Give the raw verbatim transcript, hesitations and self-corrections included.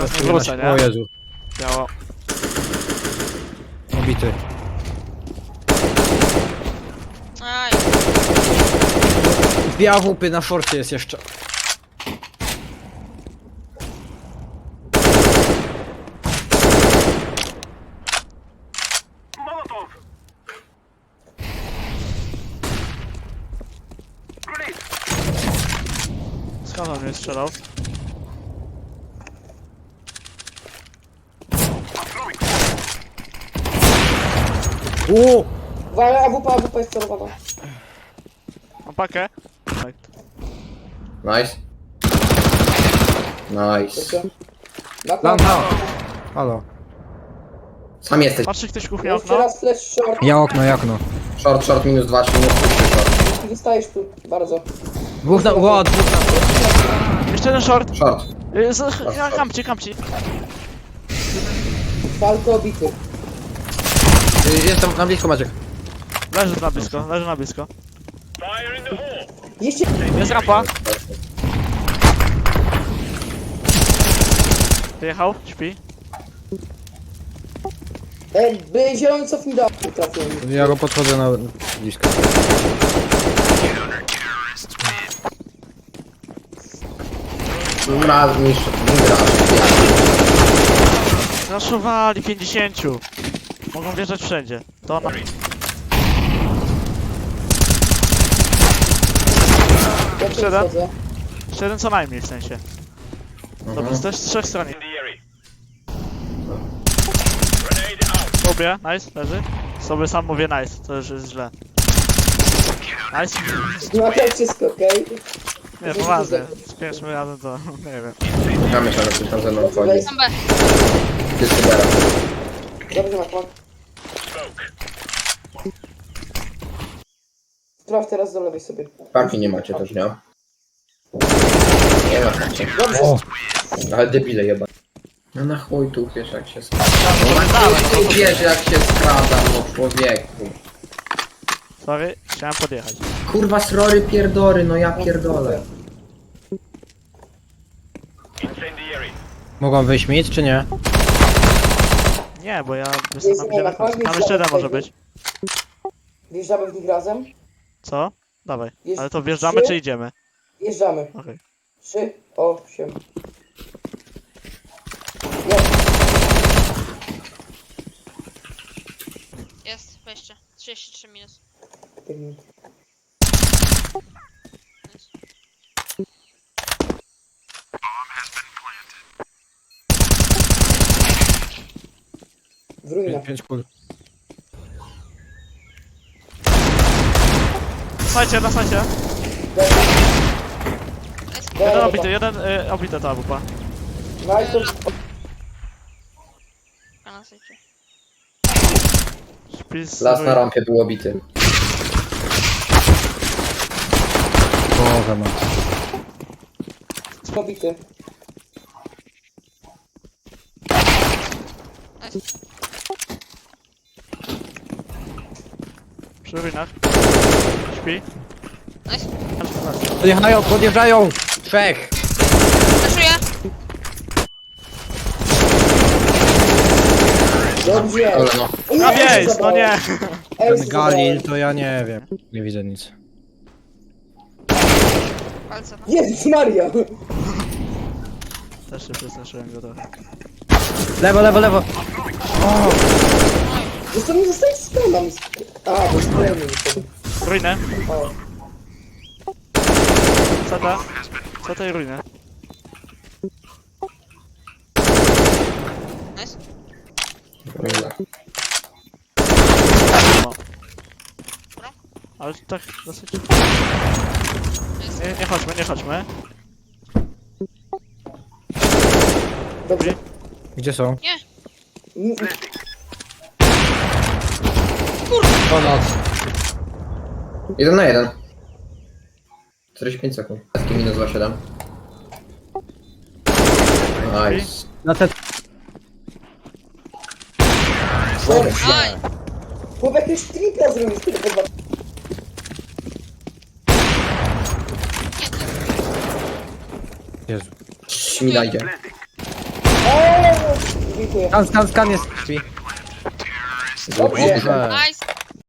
nie wrócę, nie? O Jezu, Biało. obity. Aj, Dwie A W P na forcie jest jeszcze. Skąd on mnie strzelał? Uuu! Uwaga, A W P, A W P jest celowana. Mam pakę? Tak. Nice. Nice. Dobrze. Na Lan, plan. ha. Halo. Sam jesteś. Patrzy ktoś kuchnia Jeszcze okno? raz flash short. Ja okno, ja okno. Short, short, minus dwa, trzy, minus trzy, short. Wystajesz tu, bardzo. Dwóch na... Ło, dwóch na... Jeszcze jeden short. Short. Y, z- ja, Kamci, kamci. Falko obity. Y, Jestem na blisko, Maciek. Leży na blisko, leży na blisko. Jeszcze... Jest rampa. Wyjechał, śpi. E, by zielony cofnij do... Trafiłem. Ja go podchodzę na blisko. Raz niższy, gra. Zaszowali pięćdziesięciu. Mogą wjeżdżać wszędzie. To na... Ja tu Siedem. wchodzę. Jeszcze jeden co najmniej w sensie. Dobra, to jest z trzech stron. Sobie, nice, leży. Sobie sam mówię nice, to już jest źle. Nice. No to wszystko, okej? Nie, poważnie. Z pierwszym razem to nie wiem. Gramy się, ale ktoś tam ze mną wchodzi. tam B. Ty Sybera. Dobrze, Makman. Sprawdź teraz do lewej sobie. Parki nie macie też, nie? Nie macie. Dobrze. O! Ale debile jeba. No na chuj tu wiesz jak się skrada. No na chuj tu wiesz jak się skrada, no człowieku. Sorry, chciałem podjechać. Kurwa srory pierdory, no ja pierdolę. Mogą wyjść mit, czy nie? Nie, bo ja jestem na widziałem. Tam jeszcze jeden może być. Wjeżdżamy w nich razem. Co? Dawaj. Jest Ale to wjeżdżamy trzy. czy idziemy? Wjeżdżamy. Okej. Trzy, osiem. Jest. Jest, wejście. trzydzieści trzy minus. W ruinach. Pięć kul. Słuchajcie, na słuchajcie. Jest. Jeden obity, jeden y, obity ta wupa. Najpierw Na sycie. Śpi z... Las na rampie był obity. Boże ma. pobity. Nice. Przy ruinach. Śpi. Nice. Podjeżdżają, podjeżdżają! Trzech! Zaszuję. Dobrze. Ale no. O nie, Na Ace miejsc, no zabrałem. nie! Ace Ten Galil zabrałem. to ja nie wiem. Nie widzę nic. Palce. No. Jezus Maria. Też się przestraszyłem go trochę. Lewo, lewo, lewo! Zresztą nie zostaje z kanami. A, bo jest kolejny. Ruinę. O. Co ta? Co tej ruiny? Nice. No. Ale tak dosyć... Nie, nie chodźmy, nie chodźmy. Dobrze. Gdzie są? Nie. Mm, Ponad. Jeden na jeden. czterdzieści pięć sekund. Taki minus dwa siedem. Nice. Na te... Aj. Chłop jakiegoś tripla zrobił, który chyba... Jezu. Cii, mi dajcie. Dziękuję. Skan, skan, skan jest. Drzwi. Dobrze. Dobrze. Nice.